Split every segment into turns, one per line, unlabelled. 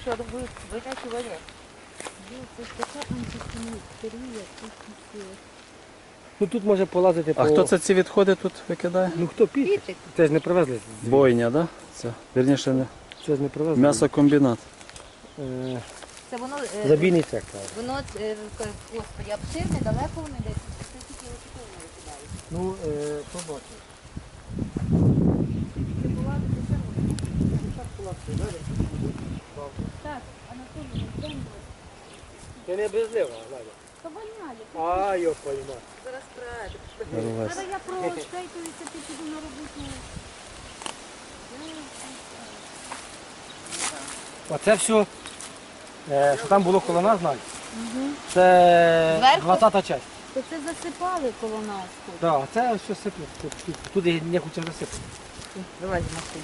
що винячувати.
Це ж така антисанітарія, тут не сила.
Ну тут може полазити
А хто це ці відходи тут викидає?
Ну хто піти? Це ж не привезли.
Бойня, да? Це, вірніше, не.
Це ж не привезли.
М'ясокомбінат.
Це воно,
Забійний цех. Так.
воно, господи, обширне, далеко воно йде. Це тільки отако воно викидають.
Ну, побачимо.
Так, Анатолій, день
Ти не безлива, Надя.
то воняє.
А, йо пойма.
Зараз прийде.
Рвесь.
Зараз я проштайтуюся, ти піду на роботу.
Оце все, що там було коло нас, Надя. Це
Зверху?
20-та часть.
То це засипали коло нас тут.
Так, це все сипле. Туди не хочемо засипати.
Вилазь з машини.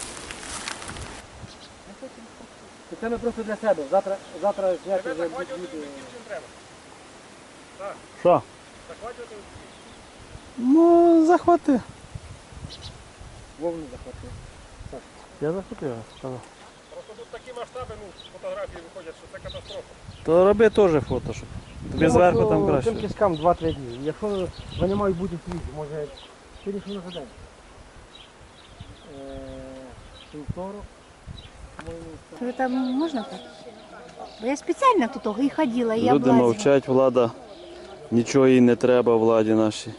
Це ми просто для себе. Завтра зняти вже буде.
Що? Ну, захвати.
Вовну захватив.
Я захопив.
Просто тут такі масштаби, фотографії виходять, що це катастрофа.
То роби теж фото, щоб тобі зверху там краще.
Тим кишкам 2-3 дні. Якщо вони мають бути свіжі, може сьогодні що на день. Вівторок.
Там можна так? Бо я спеціально тут і ходила, і я
Люди мовчать, влада. Нічого їй не треба, владі нашій.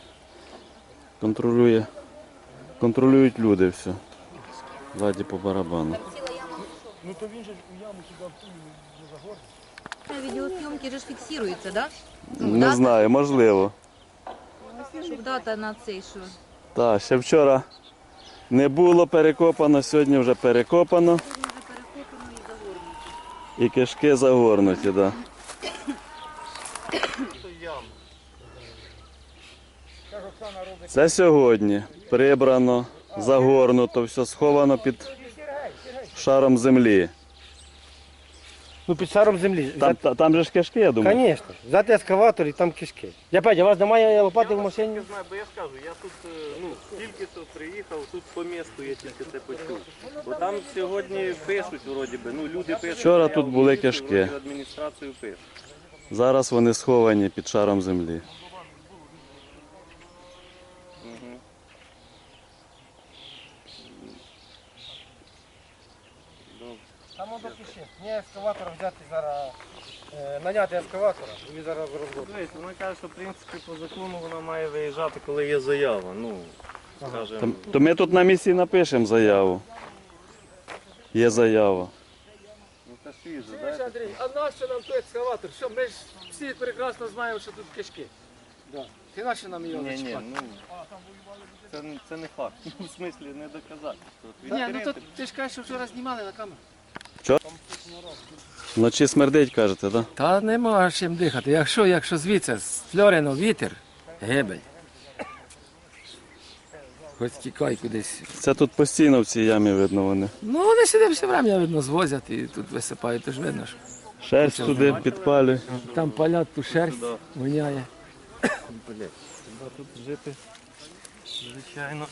Контролюють люди все. Владі по барабану.
Ну то він же у яму сюди не загорне.
Відеосйомки же ж фіксуються, так?
Не знаю, можливо.
Щоб дата на цей, що...
Так, ще вчора не було перекопано, сьогодні вже перекопано. І кишки загорнуті, так. Да. Це сьогодні прибрано, загорнуто, все сховано під шаром землі.
Ну під шаром землі.
Там же ж кишки, я думаю.
Звісно. Взяти ескаватор і там кишки. Я Петя, у вас немає лопати в машині?
Не знаю, бо я скажу, я тут тільки то приїхав, тут по місту я тільки це почув. Бо там сьогодні пишуть, вроді би, люди пишуть.
Вчора тут були кишки.
вроді адміністрацію пишуть.
Зараз вони сховані під шаром землі.
Там воно пиши. Мені ескаватор взяти зараз, наняти ескаватора і зараз розробити.
Дивіться, вона каже, що в принципі по закону вона має виїжджати, коли є заява. Скажімо,
То ми тут на місці напишемо заяву. Є заява.
це свіже,
Чуєш, Андрій, а нащо нам той ескаватор? Що, ми ж всі прекрасно знаємо, що тут кишки. Да. Ти нащо нам його
Ні,
зачіпати?
це не факт. В смислі не доказати.
Ні, ну то ти ж кажеш, що вчора знімали на камеру.
Вночі смердить, кажете, так?
Та нема чим дихати. Якщо звідси з Флоріно вітер, гибель. Хоч тікай кудись.
Це тут постійно в цій ямі видно вони.
Ну вони сюди все время, видно, звозять і тут висипають, тож видно, що
Шерсть туди підпалює.
там палять ту шерсть, воняє.
Тут жити, звичайно.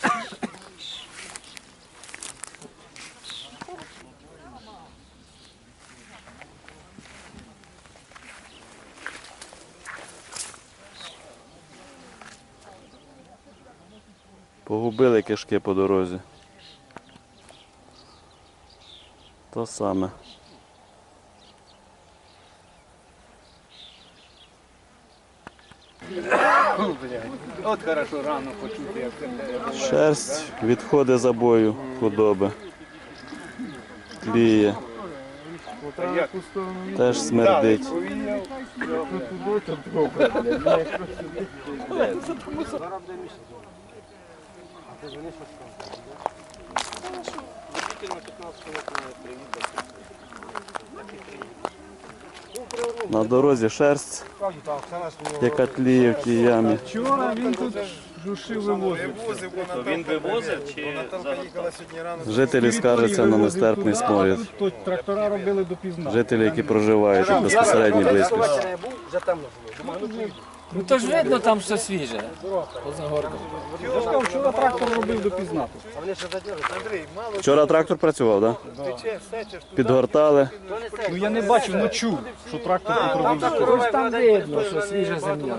Погубили кишки по дорозі. То саме.
От хорошо рано почути, як це.
Шерсть, відходи забою худоби. Тліє. Теж смердить. На дорозі шерсть, яка тліє в тій ямі.
Вчора він тут жушив вивозив.
Він вивозив чи
Жителі скаржаться на нестерпний сморід.
Тут трактора робили допізна.
Жителі, які проживають у безпосередній близькості.
Ну то ж видно там, що свіже. Поза горбом.
Я ж кажу, вчора трактор робив допізна.
Вчора трактор працював, так? Підгортали.
Ну я не бачив, ну чув, що трактор тут робив.
Ось там видно, що свіжа земля.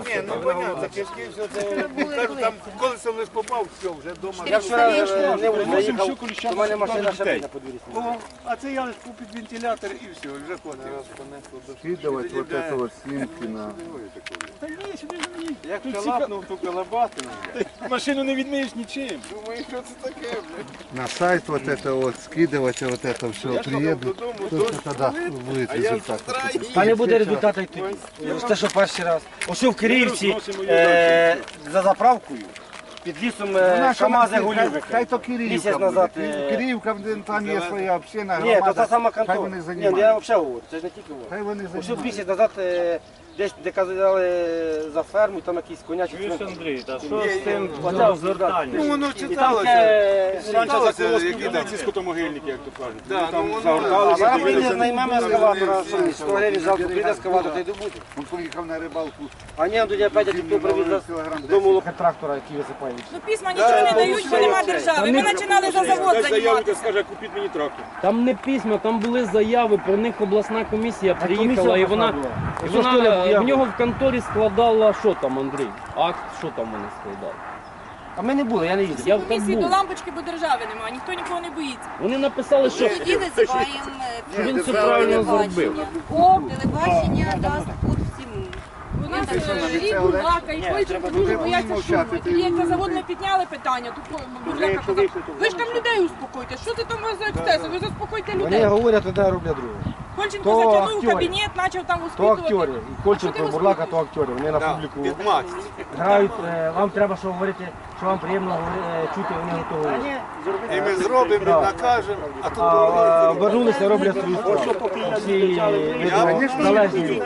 Колесо лиш попав, все, вже вдома.
Я вчора
Вносим всю коліщану сюди до дітей.
О, а це я лиш під вентилятор і все, вже хватить.
Скидывать вот это вот снимки на...
Та ні, сюди ж мені.
Як лапнув ту колобатину,
Машину не відмиєш нічим.
думаю, що це таке, блядь.
На сайт вот это вот, скидывать вот это все, приеду, только тогда будет результат.
Та не буде результату й тоді. Це що перший раз. Ось в Київці за заправкою під лісом КамАЗи гулювики.
Хай то Кириевка
Місяць назад.
буде. Кириевка, там є своя община,
Ні, то та
громада.
сама
Хай
контора.
вони
Ні, ну, я
займаються.
взагалі говорю, це ж не тільки говорю.
Хай вони
Ось
займаються.
місяць назад десь де казали за ферму, там якісь конячі.
Чуєш, Андрій, та що з тим звертанням?
Ну воно
І там
читалося.
Раніше
які
заколоски
там.
ці скотомогильники, як то кажуть.
Да,
Там
ну,
загорталися,
А ми не
дивилися.
знаймемо ескаватора, що мені 100 гривень жалко, прийде ескаватор, та й добуде.
Він поїхав на рибалку.
А ні, тоді опять тільки привіз з дому трактора, який висипає.
Ну письма нічого не дають, бо нема держави. Ми починали за завод
Дай заяву,
займатися.
скаже, купіть мені трактор.
Там не письма, там були заяви, про них обласна комісія приїхала і вона в нього в конторі складала, що там, Андрій? Акт, що там вони складали?
А ми не були, я не їздив.
Я там
Комісії до
був.
лампочки, бо держави немає, ніхто нікого не боїться.
Вони написали, що
Тоді визиваємо
він все правильно зробив.
телебачення, дасть тут всім.
У нас і Бурлака, і Койченко дуже бояться шуму. Тоді як на завод ми підняли питання, то Бурлака казав, ви ж там людей успокойте, що ти там у вас за ексцеси, ви заспокойте
Вони
людей.
говорять, тоді роблять друге.
Кольченко
То
затягнув
актери.
кабінет, почав там
То актери.
успокоювати.
І Кольченко, Бурлака, то актери. Вони на публіку грають. Вам треба що говорити, що вам приємно чути, вони готові.
І ми зробимо, і накажемо, а тут
А вернулися, роблять свою справу. Всі залежні.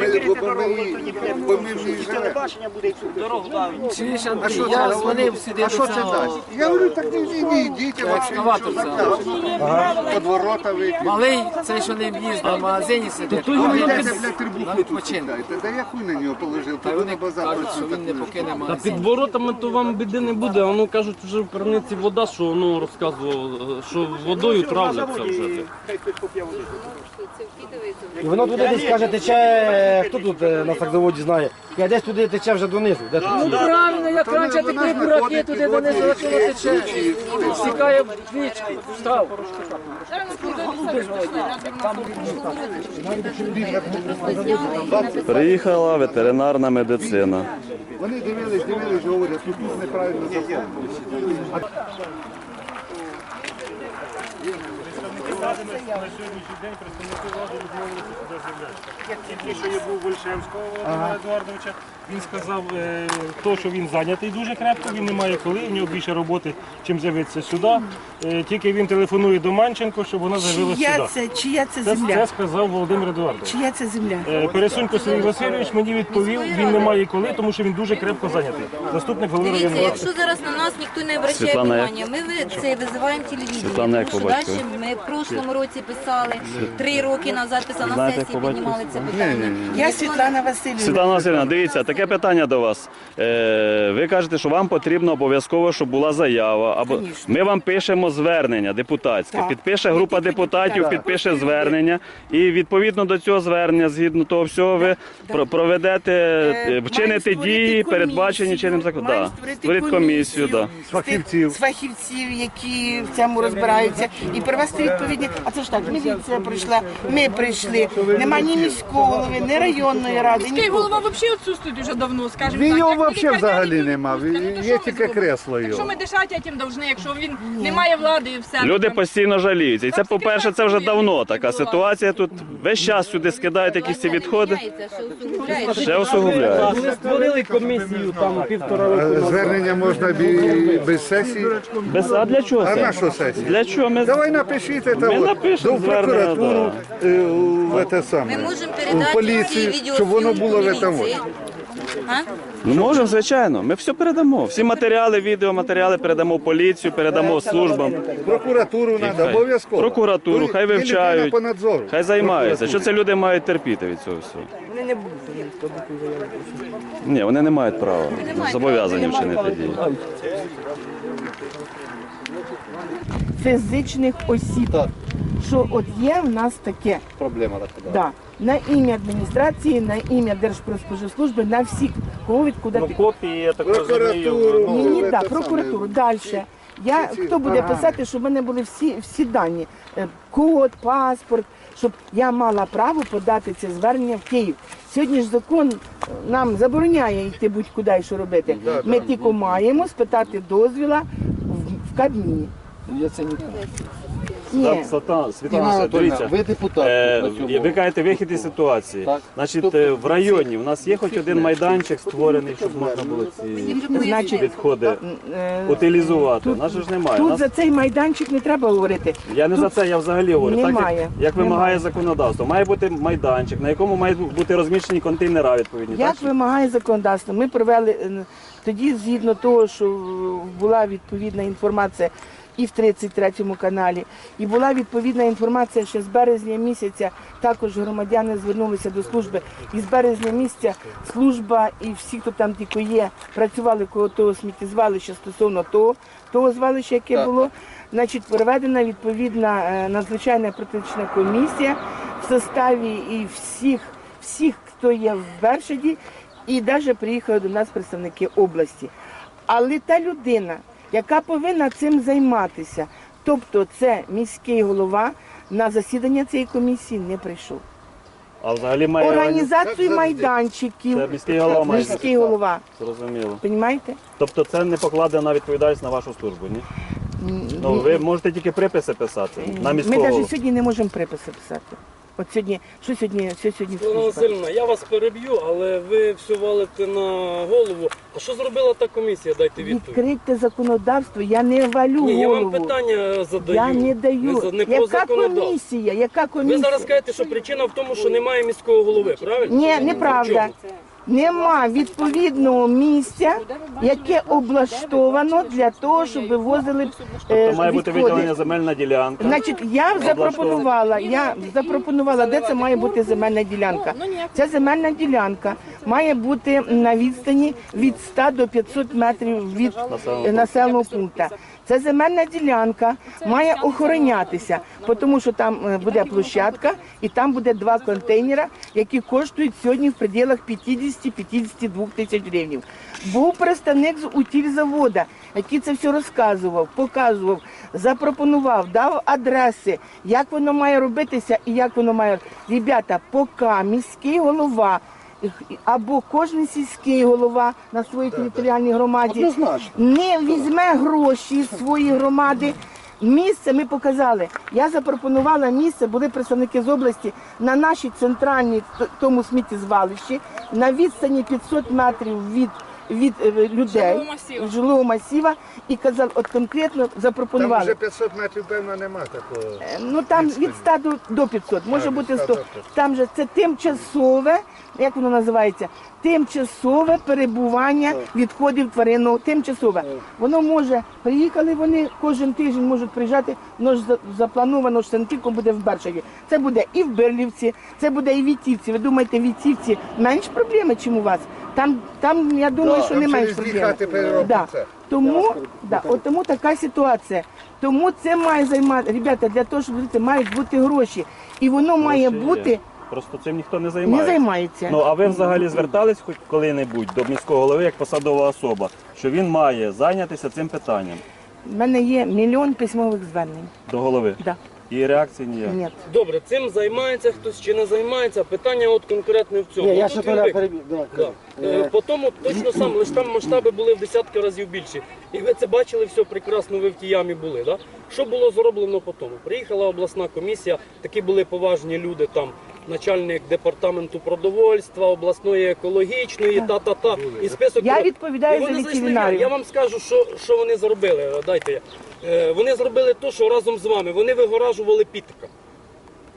Бо ми в ній живемо.
Чуєш, Андрій, я дзвонив сюди
А що це дасть? Я говорю, так не йдіть,
екскаватор взяв.
Под ворота вийти.
Малий, цей, що не в'їзд на магазині сидить,
А
а
ви
він
йдете,
без-
блядь, трибуху
на
тут
відпочинок.
кидаєте. Да я хуй на нього положив,
Та
то
вони
на базар
кажуть, що
працює.
він не покине
Та
магазин.
під воротами то вам біди не буде, а ну кажуть, вже в криниці вода, що воно розказував, що водою травляться вже.
І воно туди десь каже, тече, хто тут на сакзаводі знає, каже, десь туди тече вже донизу. Де тут?
Ну правильно, як раніше такі бураки туди донизу, а чого тече? Стікає в річку, став.
Зараз ми туди пішли,
Приїхала ветеринарна медицина.
Вони дивились, говорять, що тут неправильно заповнено.
На сьогоднішній день представники влади відмовилися сюди з'являтися. Тільки що я був Вольшевського Володимира Едуардовича, він сказав, то, що він зайнятий дуже крепко, він не має коли, в нього більше роботи, чим з'явитися сюди. Тільки він телефонує до Манченко, щоб вона з'явилася сюди.
Чия це
Це сказав Володимир Едуардович.
Чия це земля?
Пересунько Сергій Васильович мені відповів, він не має коли, тому що він дуже крепко зайнятий. Заступник голови
Дивіться,
районної ради.
якщо зараз на нас ніхто не обращає
Світлана, як?
внимання, ми це визиваємо телевізію.
Світлана, як
Тому що
по батькові?
далі ми в прошлому році писали, 3 роки назад писали, на
Знаєте, як
сесії
по батькові?
піднімали це питання.
Я Світлана Васильівна.
Світлана Васильівна, дивіться, таке питання до вас. Ви кажете, що вам потрібно обов'язково, щоб була заява. Або ми вам пишемо звернення депутатське. Підпише група депутатів, підпише звернення. І відповідно до цього звернення, згідно того всього, ви проведете, вчините дії, передбачені чинним законом. Да. Створіть комісію. Да.
Фахівців.
З фахівців, які в цьому розбираються, і привести відповідні. А це ж так, міліція прийшла, ми прийшли. Нема ні міського голови, ні районної ради. Міський голова взагалі відсутствує дуже давно, скажімо
Він
так.
його
Як
взагалі
лікарняний
взагалі
він
нема,
відпустка. Ну, то
є
що ми
тільки
зробимо?
кресло
Якщо
його.
ми дишати тим должны, якщо він не має влади і все.
Люди
то-
постійно жаліються. І це, по-перше, це вже давно така ситуація. Тут весь час сюди скидають якісь ці відходи. Ще усугубляє.
Вони створили комісію там 1,5 року.
Звернення можна без сесії.
А для чого
А
це?
на що сесія?
Для чого ми?
Давай напишіть це
Ми напишемо
до прокуратуру, в те
Ми
саме,
можемо
в
передати
поліцію,
ці
щоб воно
відеозйомки
було в этом.
міліції.
Ну можемо, звичайно. Ми все передамо. Всі матеріали, відеоматеріали передамо в поліцію, передамо службам.
Прокуратуру треба, обов'язково.
Прокуратуру, хай вивчають,
По надзору.
хай займаються. Що це люди мають терпіти від цього всього?
Вони не будуть.
Ні, вони не мають права. Зобов'язані вчинити дії.
Фізичних осіб. Що от є в нас таке.
Проблема така.
Да. На ім'я адміністрації, на ім'я Держпродспоживслужби, на всіх, кого відкуди
Ну, копії, я так розумію.
Прокуратуру.
Ні,
це
так,
саме.
прокуратуру. Далі. Хто буде писати, щоб в мене були всі дані, код, паспорт, щоб я мала право подати це звернення в Київ. Сьогодні ж закон нам забороняє йти будь-куди і що робити. Ми тільки маємо спитати дозвіла в Кабміні.
Я це не знаю.
Ні.
Світлана, дивіться,
ви депутат.
ви кажете вихід із ситуації. Значить, в районі у нас є хоч один майданчик створений, щоб можна було ці відходи утилізувати. У нас же ж немає.
Тут за цей майданчик не треба говорити.
Я не за це, я взагалі говорю. Так,
Немає.
як вимагає законодавство. Має бути майданчик, на якому мають бути розміщені контейнера відповідні.
Як вимагає законодавство? Ми провели тоді, згідно того, що була відповідна інформація і в 33-му каналі, і була відповідна інформація, що з березня місяця також громадяни звернулися до служби. І з березня місяця служба і всі, хто там тільки є, працювали коло того сміттєзвалища стосовно того звалища, яке було. Значить, проведена відповідна надзвичайна протична комісія в составі і всіх, хто є в Бершаді, і навіть приїхали до нас представники області. Але та людина, яка повинна цим займатися, тобто це міський голова, на засідання цієї комісії не прийшов.
А взагалі має
Організацію майданчиків,
Це міський голова має.
міський голова.
Зрозуміло.
Понімаєте?
Тобто це не покладена відповідальність на вашу службу, ні? Ну, ви можете тільки приписи писати на
Ми
міського голову.
навіть сьогодні не можемо приписи писати. От сьогодні, що сьогодні
Світлана
служба?
Васильівна, я вас переб'ю, але ви все валите на голову. А що зробила та комісія? Дайте відповідь.
Відкрите законодавство, я не валю
Ні, я вам
голову.
питання задаю.
Я не даю.
Не про
Яка
законодавство.
комісія? Яка
Ви
комісія?
зараз кажете, що причина в тому, що немає міського голови, правильно?
Ні, неправда. Нема відповідного місця, яке облаштовано для того, щоб вивозили
Тобто має бути виділення
відходи.
земельна ділянка.
Значить, я запропонувала, де це має бути земельна ділянка. Ця земельна ділянка має бути на відстані від 100 до 500 метрів від населеного пункту. Ця земельна ділянка має охоронятися, тому що там буде площадка і там буде 2 контейнера, які коштують сьогодні в пределах 50-52 тисяч гривень. Був представник з утильзаводу, який це все розказував, показував, запропонував, дав адреси, як воно має робитися і як воно має. Ребята, поки міський голова або кожен сільський голова на своїй територіальній громаді не візьме гроші з своєї громади. Місце ми показали. Я запропонувала місце, були представники з області, на нашій центральній тому сміттєзвалищі, на відстані 500 метрів від людей, жилого масива, і казав, от конкретно запропонували.
Там вже 500 метрів, певно, нема такого.
Ну там від 100 до 500, може бути 100. Там же це тимчасове, як воно називається, тимчасове перебування відходів тваринного, тимчасове. Воно може, приїхали вони, кожен тиждень можуть приїжджати, воно ж заплановано, що це тільки буде в Бершаді. Це буде і в Берлівці, це буде і в Вітівці. Ви думаєте, в Вітівці менш проблеми, чим у вас? Там я думаю, що не менш проблеми. Тому така ситуація. Тому це має займати, ребята, для того, щоб жити, мають бути гроші. І воно має бути...
Просто цим ніхто не
Не займається.
Ну, а ви взагалі звертались хоч коли-небудь до міського голови як посадова особа, що він має зайнятися цим питанням?
У мене є 1 мільйон письмових звернень.
До голови?
Да.
І реакції ніяк?
Ні.
Добре, цим займається хтось чи не займається, питання от конкретно в цьому.
Я
От
ще
тут він виклик.
перебіг.
По тому точно сам, лише там масштаби були в десятки разів більші. І ви це бачили все прекрасно, ви в тій ямі були. Да? Що було зроблено по тому? Приїхала обласна комісія, такі були поважні люди там, начальник департаменту продовольства, обласної екологічної, та-та-та. І список.
Я відповідаю
І вони
за
зайшли,
ветеринарію.
Я вам скажу, що вони зробили. Дайте я. Вони зробили те, що разом з вами. Вони вигоражували Пітика.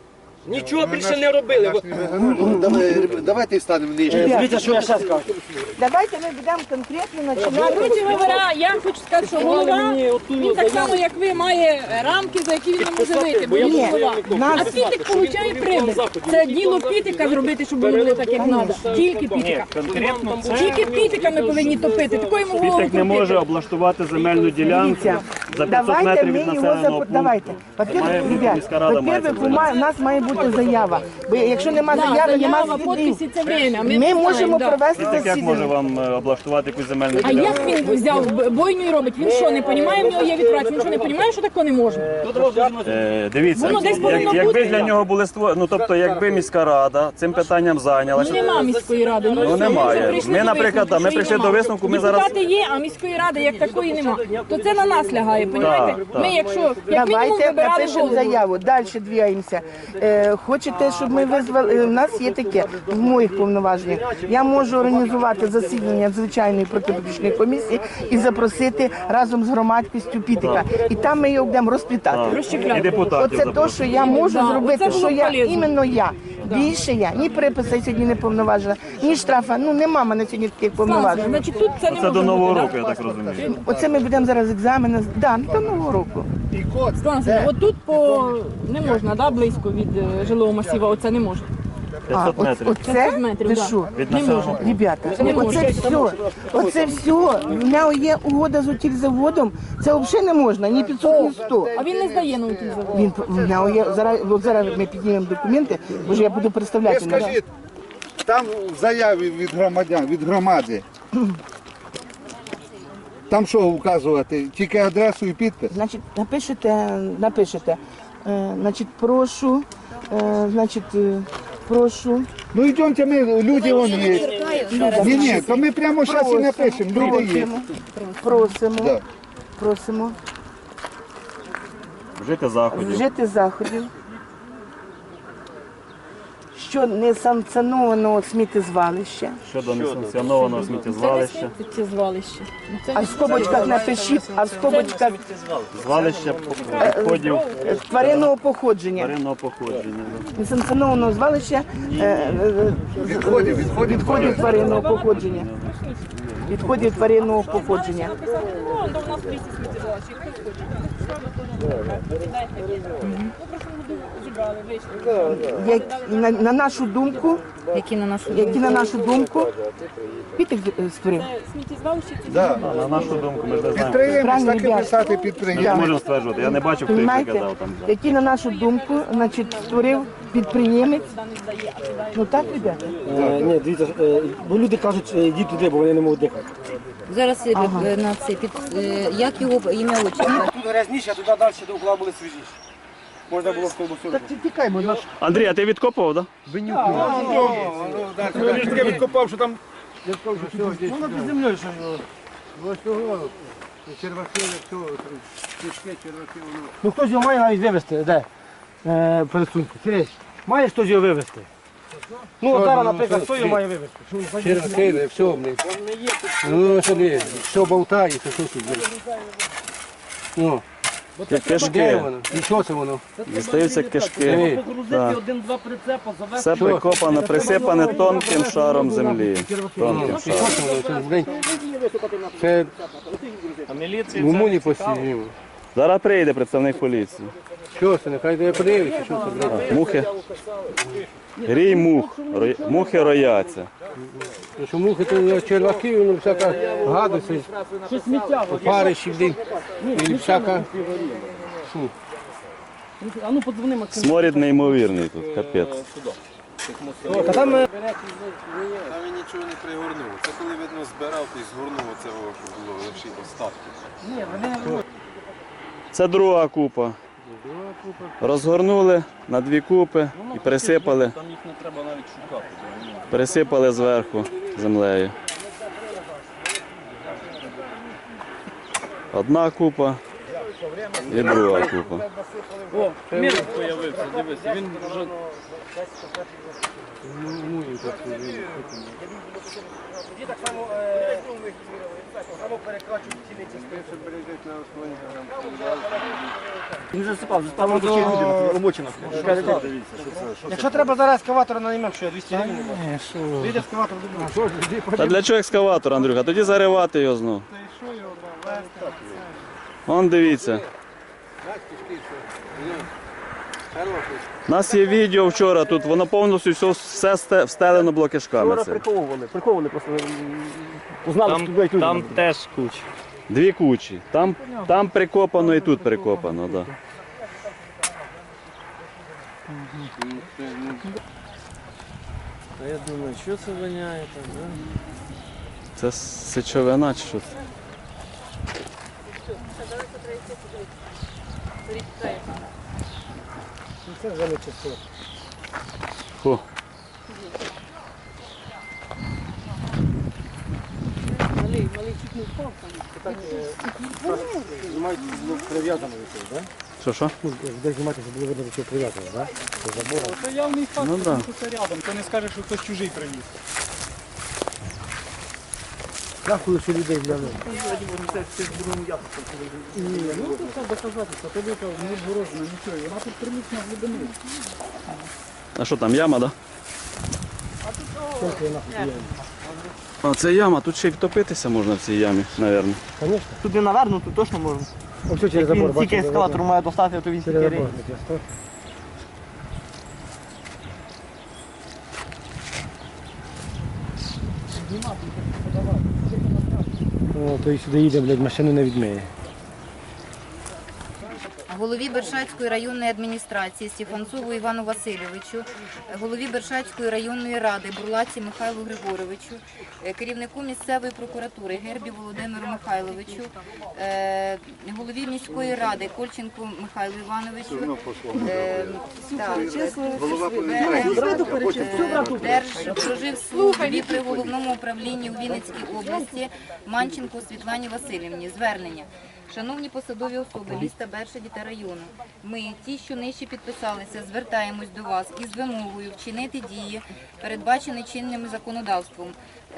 Нічого більше не робили.
Давайте станемо нижче.
Дивіться, що я ще скажу.
Давайте ми будемо конкретно починати.
Коротше говоря, я хочу сказати, що голова, він так само, як ви, має рамки, за які він не може вийти, бо він голова. А Пітик получає прибуток. Це діло Пітика зробити, щоб було так, як треба. Тільки Пітика.
Конкретно це
Тільки Пітика ми повинні топити. Такої йому голову
Пітик не може
крутити.
облаштувати земельну ділянку за 500 метрів від населеного пункту.
Давайте. Во-первых,
міська рада має це
во-первых, у нас має бути заява. Бо якщо нема заяви, нема
Заява, підписи, це время.
Ми можемо провести
Пітик як може
засідання.
вам облаштувати якусь земельну
А
ділянку?
як він взяв бойню і робить? Він що, не розуміє, в нього є відкривач? Він що, не розуміє, що такого не може?
Дивіться,
Воно десь повинно
якби
бути.
для нього були створені, ну тобто, якби міська рада цим питанням зайнялася.
Ну нема міської ради.
Ну,
все,
немає.
вже прийшли
Ми,
до
наприклад,
висновку,
ми
що
прийшли
її
до
нема.
висновку, ми зараз-
Депутати є, а міської ради як такої нема. То це на нас лягає, понімаєте?
так.
Ми, якщо як мінімум
Давайте
вибирали
напишемо
голову.
заяву, далі двигаємося. Хочете, щоб ми визвали, у нас є таке, в моїх повноваженнях, я можу організувати засідання звичайної протиполітичної комісії і запросити разом з громадськістю Пітика. І там ми його будемо розплітати.
І депутатів
Оце те, що я можу
Да,
зробити,
оце було
що я,
полезно.
іменно я. Більше я, ні приписи сьогодні не повноважена, ні штрафа, ну нема в мене сьогодні таких повноважень.
Значить, тут це не
Це
може
до Нового
бути,
року, я так розумію.
Оце ми будемо зараз екзамени, да, до Нового року.
От тут по не можна, да, близько від жилого масива, оце не можна.
500 метрів.
Оце,
500 метрів,
ти
да.
що?
Від
Не
населеного
можна.
Ребята,
Не
оце все, в мене є угода з утільзаводом, це взагалі не можна, ні 500, ні 100.
А він не здає на утилізавод.
Він, в мене є, зараз ми піднімемо документи, бо ж я буду представляти.
Ви скажіть, там в заяві від громадян, від громади, там що вказувати? Тільки адресу і підпис?
Значить, напишете, значить, прошу, прошу.
Ну йдемте ми, люди вон є. Ні, то ми прямо зараз і напишемо, люди є.
Просимо,
Да.
просимо
Вжити заходів.
вжити заходів що несанкціонованого сміттєзвалища.
Щодо несанкціонованого сміттєзвалища.
Сміттєзвалище.
А в скобочках напишіть, а в скобочках
Звалища відходів
тваринного походження.
тваринного походження.
Несанкціонованого звалища відходів тваринного походження. Відходів тваринного походження.
Ну, до нас в лісі сміттєзвалище. Зібрали, вийшли.
На нашу думку,
Які на нашу
які на нашу думку, Пітик створив.
сміттєзвалище?
Да.
На нашу думку, ми ж не знаємо.
Підприємець,
Правильно,
так і
ребят.
писати
Ми не
підприємець.
можемо стверджувати. Я не бачив, хто їх
Понимаєте,
казав там.
які на нашу думку, значить, створив підприємець. Ну так, ребята?
Ні, дивіться, бо люди кажуть, йдіть туди, бо вони не можуть дихати.
Зараз на це як його ім'я отчество?
Тут грязніше, а туди далі до угла були свіжіші. Можна було в колбасу.
Тікаймо, наш
Андрій, а ти відкопував, так?
Я ж таке відкопав, що там
Воно під землею, що
ось цього черваки, цього кишки, черваки, воно.
ну хтось його має навіть вивезти, де? Пересуньку. Сергій, має хтось його вивезти? Ну, зараз, наприклад, хто його має вивезти?
Черваки, все, блин. Ну, що не, все болтається, що тут, блин. Ну, де
Кишки.
воно? І що це воно?
Дістаються кишки. Так.
Один-два прицепа завести.
Все прикопане, присипане тонким шаром землі. Тонким
І що
шаром.
це воно? Це, блин, це
А міліція
мумуні постійно.
Зараз прийде представник поліції.
Що це, нехай де подивиться, що це, блин.
Мухи. Рій мух. Мухи рояться.
Ну, що мухи, то черваки, воно всяка гадость, опарищі, блин, і всяка.
А ну подзвони Максим.
Сморід неймовірний тут, капець.
Та там
Та він нічого не пригорнув. Це коли, видно, збирав, то й згорнув оце, що було лише остатки.
Це друга купа. Розгорнули на дві купи і пересипали.
Там їх не треба навіть шукати.
Пересипали зверху землею. Одна купа. І друга купа.
О, мір появився, дивися, він вже...
Тоді так само перекачують ціниці. Він засипав омочено. Якщо треба зараз ескаватора наймемо, що я 200 гривень. Вийде ескаватор до
Та для чого екскаватор, Андрюха? Тоді заривати його знов. Вон дивіться. У нас є відео вчора тут, воно повністю все встелено блокишками. цим.
Приковували просто. Узнали, що
Там теж куча.
Дві кучі. Там прикопано і тут прикопано, так.
А я думаю, що це воняє там, да?
Це сечовина чи що це?
Це вже не чисто.
Фу.
Малий чуть не впав там.
Знімають, було прив'язано до цього, так?
Що?
Де знімати, щоб було видно, до чого прив'язано, так? До забору.
Це явний факт,
Ну, да.
що це рядом. То не скажеш, що хтось чужий привіз.
Дякую, що людей взяли.
Ні, ну тут треба доказатися. Ти викав, не згорожена, нічого. Вона тут приміцна глибини.
А що там, яма, так? А це яма, тут ще й втопитися можна в цій ямі, мабуть.
Звісно.
Тут не наверно, тут точно можна.
Ось що через забор,
Тільки ескалатор має достати, то він
Через
тільки
забор.
рейс.
О, то і сюди їде, блядь, машину не відмиє.
Голові Бершацької районної адміністрації Стефанцову Івану Васильовичу, голові Бершацької районної ради Бурлаці Михайлу Григоровичу, керівнику місцевої прокуратури Гербі Володимиру Михайловичу, голові міської ради Кольченку Михайлу Івановичу, Держпроживслужбі при головному управлінні у Вінницькій області Манченко Світлані Васильівні. Звернення. Шановні посадові особи міста Бершаді та району, ми, ті, що нижче підписалися, звертаємось до вас із вимогою вчинити дії, передбачені чинним законодавством.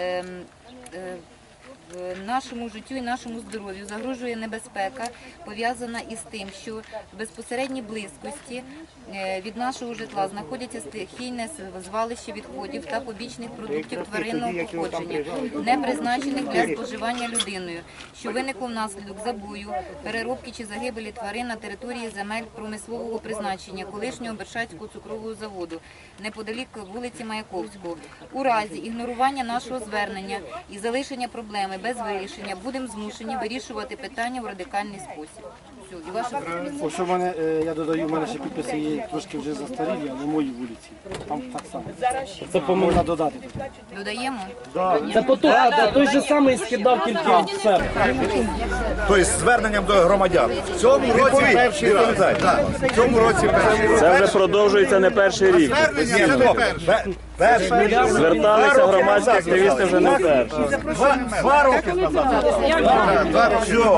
Нашому життю і нашому здоров'ю загрожує небезпека, пов'язана із тим, що в безпосередній близькості від нашого житла знаходяться стихійне звалище відходів та побічних продуктів тваринного походження, не призначених для споживання людиною, що виникло внаслідок забою, переробки чи загибелі тварин на території земель промислового призначення колишнього Бершацького цукрового заводу, неподалік вулиці Маяковського. У разі ігнорування нашого звернення і залишення проблеми без вирішення будемо змушені вирішувати питання в радикальний спосіб. Все, і ваша пропозиція.
Ось у мене, я додаю, у мене ще підписи є трошки вже застарілі, але моїй вулиці. Там так само. Це можна додати.
Додаємо?
Це той же самий скидав тільки все.
Тобто з зверненням до громадян. В цьому році перший раз. В цьому році перший раз.
Це вже продовжується не перший рік. Зверталися громадські активісти вже не перший.
2 роки назад.